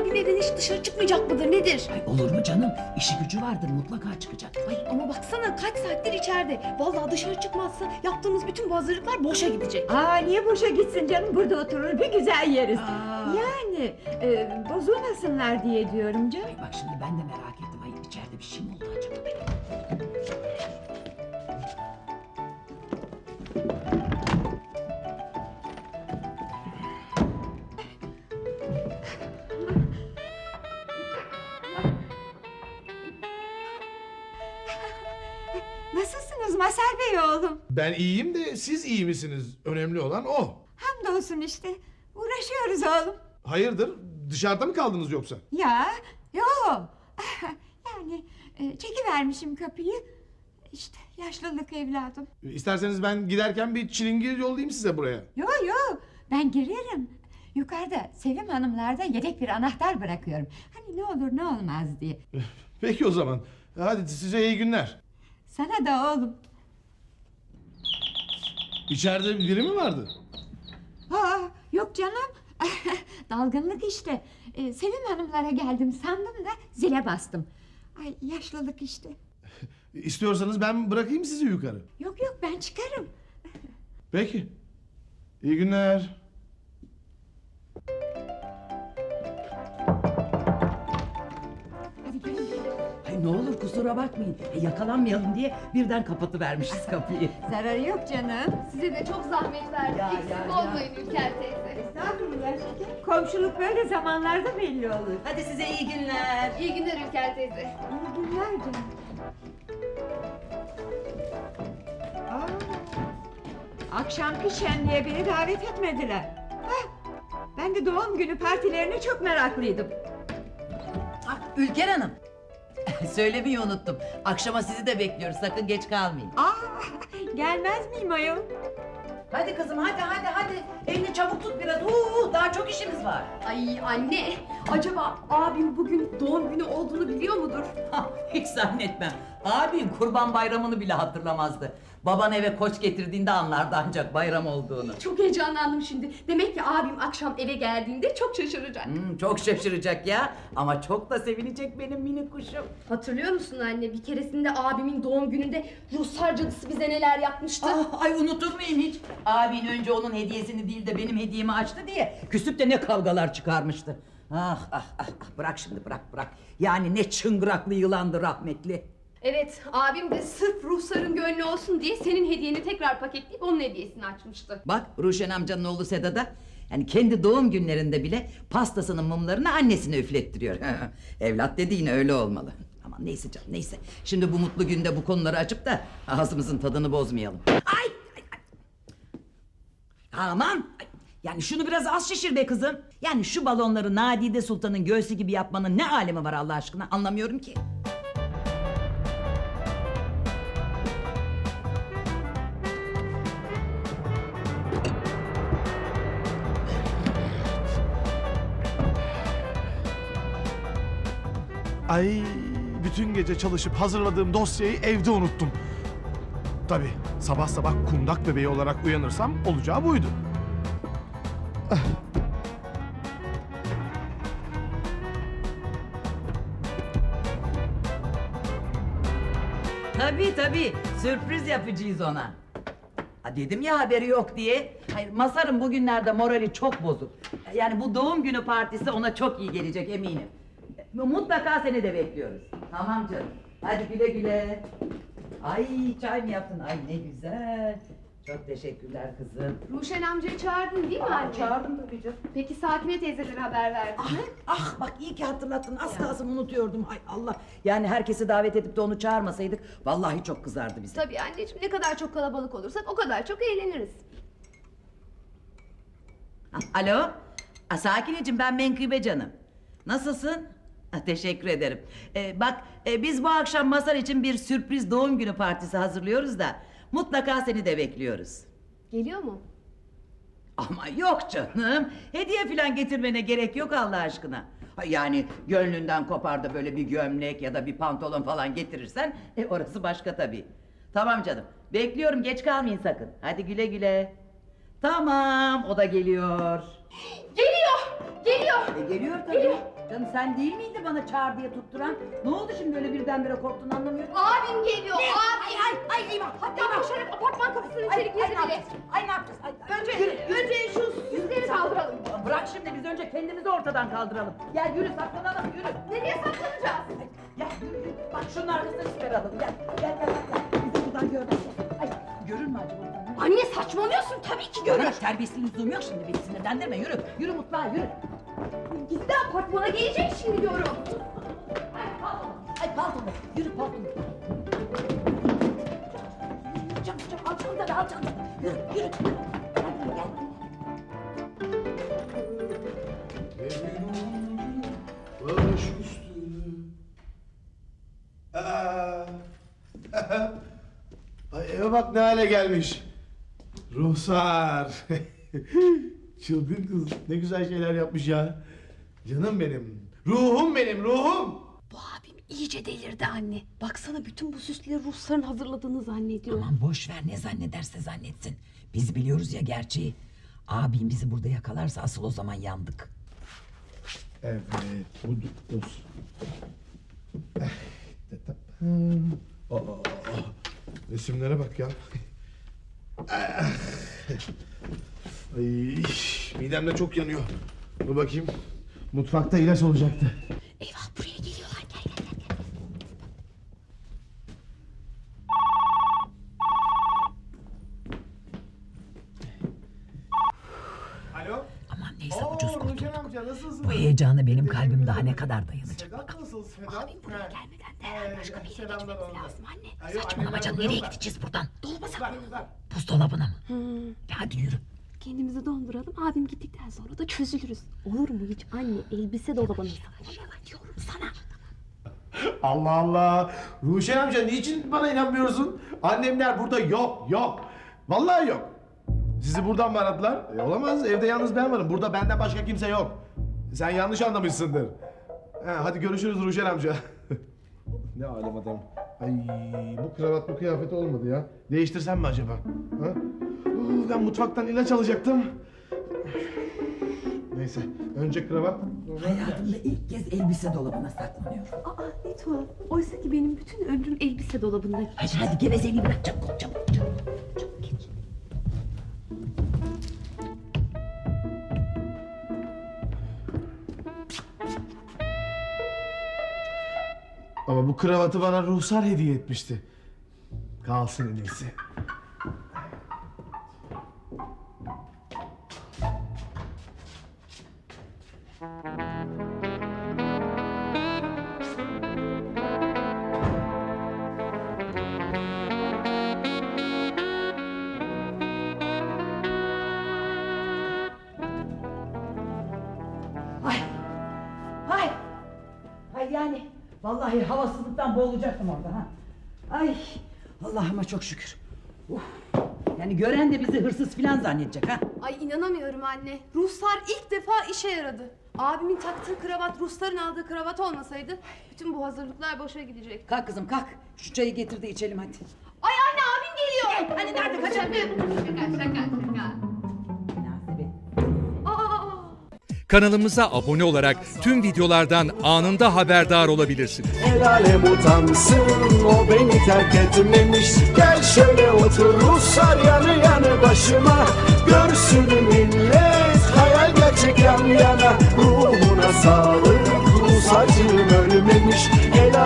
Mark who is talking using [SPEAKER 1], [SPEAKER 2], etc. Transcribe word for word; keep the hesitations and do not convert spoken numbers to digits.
[SPEAKER 1] abim evden hiç dışarı çıkmayacak mıdır nedir?
[SPEAKER 2] Ay olur mu canım? İşi gücü vardır, mutlaka çıkacak.
[SPEAKER 1] Ay ama baksana kaç saattir içeride. Vallahi dışarı çıkmazsa yaptığımız bütün bu hazırlıklar boşa gidecek.
[SPEAKER 3] Aa niye boşa gitsin canım? Burada oturur bir güzel yeriz.
[SPEAKER 2] Aa.
[SPEAKER 3] Yani e, bozulmasınlar diye diyorum canım.
[SPEAKER 2] Ay bak şimdi ben de merak ettim. Ay içeride bir şey mi oldu acaba benim?
[SPEAKER 3] Nasılsınız Mazhar Bey oğlum?
[SPEAKER 4] Ben iyiyim de siz iyi misiniz? Önemli olan o.
[SPEAKER 3] Hamdolsun işte. Uğraşıyoruz oğlum.
[SPEAKER 4] Hayırdır? Dışarıda mı kaldınız yoksa?
[SPEAKER 3] Ya yo. Yani e, çekivermişim kapıyı. İşte yaşlılık evladım.
[SPEAKER 4] İsterseniz ben giderken bir çilingir yollayayım size buraya.
[SPEAKER 3] Yo yo ben girerim. Yukarıda Sevim Hanımlarda yedek bir anahtar bırakıyorum. Hani ne olur ne olmaz diye.
[SPEAKER 4] Peki o zaman. Hadi size iyi günler.
[SPEAKER 3] Sana da oğlum.
[SPEAKER 4] İçeride biri mi vardı?
[SPEAKER 3] Aa, yok canım. Dalgınlık işte. Ee, Sevim Hanımlara geldim sandım da zile bastım. Ay yaşlılık işte.
[SPEAKER 4] İstiyorsanız ben bırakayım sizi yukarı.
[SPEAKER 3] Yok yok ben çıkarım.
[SPEAKER 4] Peki. İyi günler.
[SPEAKER 3] Hadi gelin.
[SPEAKER 2] Ay ne olur kusura bakmayın. E, yakalanmayalım diye birden kapatıvermişiz kapıyı.
[SPEAKER 3] Zararı yok canım.
[SPEAKER 1] Size de çok zahmet verdik.
[SPEAKER 2] Ya,
[SPEAKER 1] Eksik
[SPEAKER 2] ya, ya.
[SPEAKER 1] olmayın Ülker teyze.
[SPEAKER 3] Estağfurullah şeker. Komşuluk böyle zamanlarda belli olur.
[SPEAKER 2] Hadi size iyi günler.
[SPEAKER 1] İyi günler Ülker teyze.
[SPEAKER 3] İyi günler canım. Aa, akşamki şenliğe beni davet etmediler. Hah, ben de doğum günü partilerine çok meraklıydım.
[SPEAKER 5] Ah, Ülker Hanım. Söylemeyi unuttum. Akşama sizi de bekliyoruz. Sakın geç kalmayın.
[SPEAKER 3] Aa, gelmez miyim ayol?
[SPEAKER 5] Hadi kızım hadi hadi hadi. Elini çabuk tut biraz. Uuu, daha çok işimiz var.
[SPEAKER 1] Ay anne, acaba abim bugün doğum günü olduğunu biliyor mudur?
[SPEAKER 5] Hah, hiç zannetmem. Abim Kurban Bayramı'nı bile hatırlamazdı. Baban eve koç getirdiğinde anlardı ancak bayram olduğunu.
[SPEAKER 1] Çok heyecanlandım şimdi. Demek ki abim akşam eve geldiğinde çok şaşıracak.
[SPEAKER 5] Hmm, çok şaşıracak ya. Ama çok da sevinecek benim minik kuşum.
[SPEAKER 1] Hatırlıyor musun anne? Bir keresinde abimin doğum gününde Ruslar cadısı bize neler yapmıştı?
[SPEAKER 5] Ah, ay unutur muyum hiç? Abin önce onun hediyesini değil de benim hediyemi açtı diye küsüp de ne kavgalar çıkarmıştı. Ah ah ah ah, bırak şimdi bırak bırak. Yani ne çıngıraklı yılandı rahmetli.
[SPEAKER 1] Evet, abim de sırf Rusların gönlü olsun diye senin hediyeni tekrar paketleyip onun hediyesini açmıştı.
[SPEAKER 5] Bak Ruşen amcanın oğlu Seda da yani kendi doğum günlerinde bile pastasının mumlarını annesine üflettiriyor. Evlat dediğin öyle olmalı. Aman neyse canım neyse. Şimdi bu mutlu günde bu konuları açıp da ağzımızın tadını bozmayalım. Ay! ay, ay. Aman! Ay, yani şunu biraz az şişir be kızım. Yani şu balonları Nadide Sultan'ın göğsü gibi yapmanın ne alemi var Allah aşkına anlamıyorum ki.
[SPEAKER 4] Ay, bütün gece çalışıp hazırladığım dosyayı evde unuttum. Tabii sabah sabah kundak bebeği olarak uyanırsam olacağı buydu. Ah.
[SPEAKER 5] Tabii tabii sürpriz yapacağız ona. Ha, dedim ya haberi yok diye. Hayır Masar'ın bugünlerde morali çok bozuk. Yani bu doğum günü partisi ona çok iyi gelecek eminim. Mutlaka seni de bekliyoruz. Tamam canım. Hadi güle güle. Ay çay mı yaptın? Ay ne güzel. Çok teşekkürler kızım.
[SPEAKER 1] Ruşen amcayı çağırdın değil mi
[SPEAKER 5] Aa,
[SPEAKER 1] anne?
[SPEAKER 5] çağırdım tabii canım.
[SPEAKER 1] Peki Sakine teyzelere haber verdin
[SPEAKER 5] Ah,
[SPEAKER 1] mi?
[SPEAKER 5] ah bak iyi ki hatırlattın. Az kalsın unutuyordum. Ay Allah. Yani herkesi davet edip de onu çağırmasaydık vallahi çok kızardı bize.
[SPEAKER 1] Tabii anneciğim, ne kadar çok kalabalık olursak o kadar çok eğleniriz.
[SPEAKER 5] Ah, alo. Ah, Sakineciğim ben Menkıbe canım. Nasılsın? Ah, teşekkür ederim. Ee, bak e, biz bu akşam Masar için bir sürpriz doğum günü partisi hazırlıyoruz da mutlaka seni de bekliyoruz.
[SPEAKER 1] Geliyor mu?
[SPEAKER 5] Ama yok canım. Hediye falan getirmene gerek yok Allah aşkına. Ha, yani gönlünden kopar da böyle bir gömlek ya da bir pantolon falan getirirsen e, orası başka tabii. Tamam canım. Bekliyorum geç kalmayın sakın. Hadi güle güle. Tamam o da geliyor.
[SPEAKER 1] Geliyor! Geliyor!
[SPEAKER 5] E, geliyor tabii.
[SPEAKER 1] Geliyor!
[SPEAKER 5] Canım sen değil miydi bana çağır diye tutturan? Ne oldu şimdi öyle birdenbire korktun anlamıyorum.
[SPEAKER 1] Abim geliyor.
[SPEAKER 5] Ne?
[SPEAKER 1] Abim.
[SPEAKER 5] Ay ay ay eyvah.
[SPEAKER 1] Hatta koşarak apartman kapısının
[SPEAKER 5] Ay,
[SPEAKER 1] içeri
[SPEAKER 5] ay, ne
[SPEAKER 1] girdi bile.
[SPEAKER 5] yapacağız? Ay ne yapacağız? Ay, ay,
[SPEAKER 1] Önce,
[SPEAKER 5] yürü.
[SPEAKER 1] önce şu süsleri kaldıralım.
[SPEAKER 5] Bırak şimdi biz önce kendimizi ortadan kaldıralım. Gel yürü saklanalım yürü.
[SPEAKER 1] Nereye saklanacağız?
[SPEAKER 5] Ay, gel yürü yürü. Bak şunun arkasına çıkaralım. Gel gel gel. gel. Bizi buradan görmez. Ay görür mü acaba oradan? Yürü.
[SPEAKER 1] Anne saçmalıyorsun tabii ki görür.
[SPEAKER 5] Görür. Terbiyesizliğin lüzumu yok şimdi beni sinirlendirme yürü. Yürü mutfağa yürü.
[SPEAKER 1] Gizli apartmana gelecek şimdi diyorum.
[SPEAKER 5] Ay pardon. Ay pardon. Yürü pardon. Yürü çabuk çabuk al çantanı al çantanı. Yürü yürü. Hadi gel.
[SPEAKER 4] Baş üstüne. Aa. Ay eve bak ne hale gelmiş. Ruhsar. Çılgın kız ne güzel şeyler yapmış ya. Canım benim. Ruhum benim ruhum.
[SPEAKER 1] Bu abim iyice delirdi anne. Baksana bütün bu süsleri Rusların hazırladığını zannediyor.
[SPEAKER 5] Aman boş ver ne zannederse zannetsin. Biz biliyoruz ya gerçeği. Abim bizi burada yakalarsa asıl o zaman yandık.
[SPEAKER 4] Evet bu olsun. Aa, resimlere bak ya. Ay, midem de çok yanıyor. Dur bakayım. Mutfakta ilaç olacaktı.
[SPEAKER 1] Eyvah buraya geliyorlar. Gel gel gel. gel.
[SPEAKER 4] Alo.
[SPEAKER 5] Aman neyse
[SPEAKER 4] Oo,
[SPEAKER 5] ucuz
[SPEAKER 4] Nurcan
[SPEAKER 5] kurtulduk.
[SPEAKER 4] amca nasılsın?
[SPEAKER 5] Bu heyecana benim kalbim daha ne kadar dayanacak.
[SPEAKER 4] Sedat nasıl Sedat?
[SPEAKER 1] Abim buraya gelmeden derhal başka bir yere
[SPEAKER 4] Selamlar
[SPEAKER 1] gitmemiz
[SPEAKER 4] oldu.
[SPEAKER 1] lazım anne.
[SPEAKER 4] Ay, yok,
[SPEAKER 5] Saçmalama
[SPEAKER 4] annemler
[SPEAKER 5] canım
[SPEAKER 4] burada
[SPEAKER 5] nereye
[SPEAKER 4] yok da.
[SPEAKER 5] gideceğiz buradan?
[SPEAKER 1] Dolmasak mı?
[SPEAKER 4] Güzel, güzel.
[SPEAKER 5] Buzdolabına mı? Hadi yürü.
[SPEAKER 1] Kendimizi donduralım. Abim gittikten sonra da çözülürüz. Olur mu hiç anne? Elbise dolabını saklayalım diyorum sana.
[SPEAKER 4] Allah Allah. Ruşen amca niçin bana inanmıyorsun? Annemler burada yok, yok. Vallahi yok. Sizi buradan mı aradılar? E, olamaz. Evde yalnız ben varım. Burada benden başka kimse yok. Sen yanlış anlamışsındır. He, hadi görüşürüz Ruşen amca. Ne alem adam. Ay bu kravat bu kıyafet olmadı ya. Değiştirsem mi acaba? Ha? Uu, ben mutfaktan ilaç alacaktım. Neyse. Önce kravat. sonra ilaç.
[SPEAKER 5] Hayatımda ilk kez elbise dolabına saklanıyorum.
[SPEAKER 1] Aa ne tuhaf. Oysa ki benim bütün ömrüm elbise dolabında geçti.
[SPEAKER 5] Hadi hadi gevezeliği bırak çabuk çabuk çabuk. Çabuk geç.
[SPEAKER 4] Ama bu kravatı bana Ruhsar hediye etmişti. Kalsın en iyisi.
[SPEAKER 5] Ay. Ay. Ay yani vallahi havasızlıktan boğulacaktım orada ha. Ay. Allah'ıma çok şükür. Uf. Yani gören de bizi hırsız filan zannedecek ha.
[SPEAKER 1] Ay inanamıyorum anne. Ruhsar ilk defa işe yaradı. Abimin taktığı kravat Rusların aldığı kravat olmasaydı bütün bu hazırlıklar boşa gidecek.
[SPEAKER 5] Kalk kızım kalk. Şu çayı getir de içelim hadi.
[SPEAKER 1] Ay anne abim geliyor.
[SPEAKER 5] Hani nerede kaçırdın?
[SPEAKER 1] Şaka şaka şaka.
[SPEAKER 5] Münasebet.
[SPEAKER 1] Aa.
[SPEAKER 6] Kanalımıza abone olarak tüm videolardan anında haberdar olabilirsiniz.
[SPEAKER 7] El alem utansın o beni terk etmemiş. Gel şöyle otur Ruslar yanı yanı başıma. Görsün millet hayal gerçek yan yana. Ruhuna sağlık Rus acım.